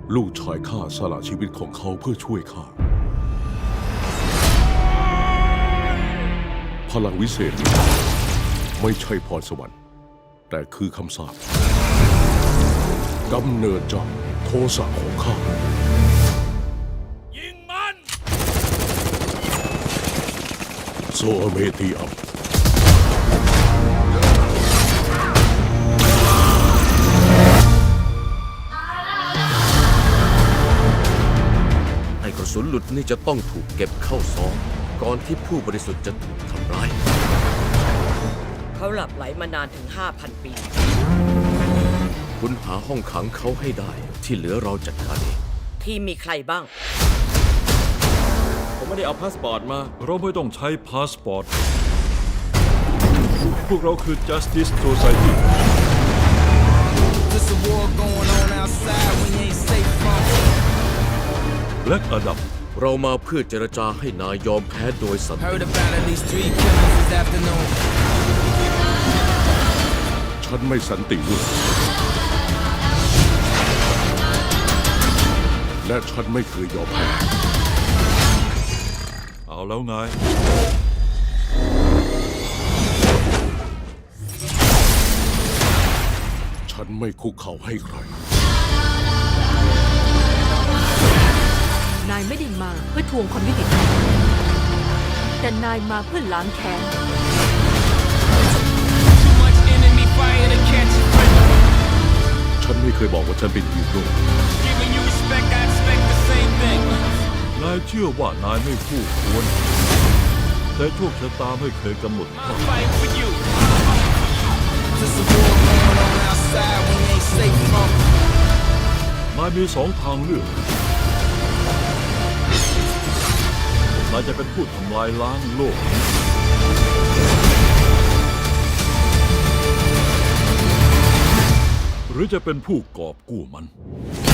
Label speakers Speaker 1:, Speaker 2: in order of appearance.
Speaker 1: ลูกชายข้าสละชีวิตของเขาเพื่อช่วยข้าพลังวิเศษไม่ใช่พรสวรรค์แต่คือคำสาปกำเนิดจากโทสะของข้ายิงมันโซเมตีอัพ
Speaker 2: กระสุนหลุดนี่จะต้องถูกเก็บเข้าซองก่อนที่ผู้บริสุทธิ์จะถูกทำร้าย
Speaker 3: เขาหลับไหลมานานถึง 5,000 ปี
Speaker 2: คุณหาห้องขังเขาให้ได้ที่เหลือเราจัดการเอง
Speaker 3: ที่มีใครบ้าง
Speaker 4: ผมไม่ได้เอาพาสปอร์ตมา
Speaker 5: เราไม่ต้องใช้พาสปอร์ต พวกเราคือ Justice Society
Speaker 6: There's a war going on outside we ain't safe from.
Speaker 5: Black Adam
Speaker 2: เรามาเพื่อเจรจาให้นายยอมแพ้โดยสันติ
Speaker 6: Heard about at least 3 killings this afternoon.
Speaker 1: ฉันไม่สันติด้วยและฉันไม่เคยยอมแพ้
Speaker 5: เอาแล้วไง
Speaker 1: ฉันไม่คุกเข่าให้ใคร
Speaker 7: นายไม่ได้มาเพื่อทวงความยุติธรรมแต่นายมาเพื่อล้างแค้น
Speaker 6: Too much enemy fire to catch a breath.
Speaker 1: ฉันไม่เคยบอกว่าฉันเป็นฮีโร่
Speaker 6: Giving you respect, I expect the same thing.
Speaker 5: นายเชื่อว่านายไม่คู่ควร แต่โชคชะตาไม่เคยกำหนด
Speaker 6: I'm fighting for you. There's a war going on outside we ain't safe from.
Speaker 5: นายมี2 ทางเลือก นายจะเป็นผู้ทำลายล้างโลก หรือจะเป็นผู้กอบกู้มัน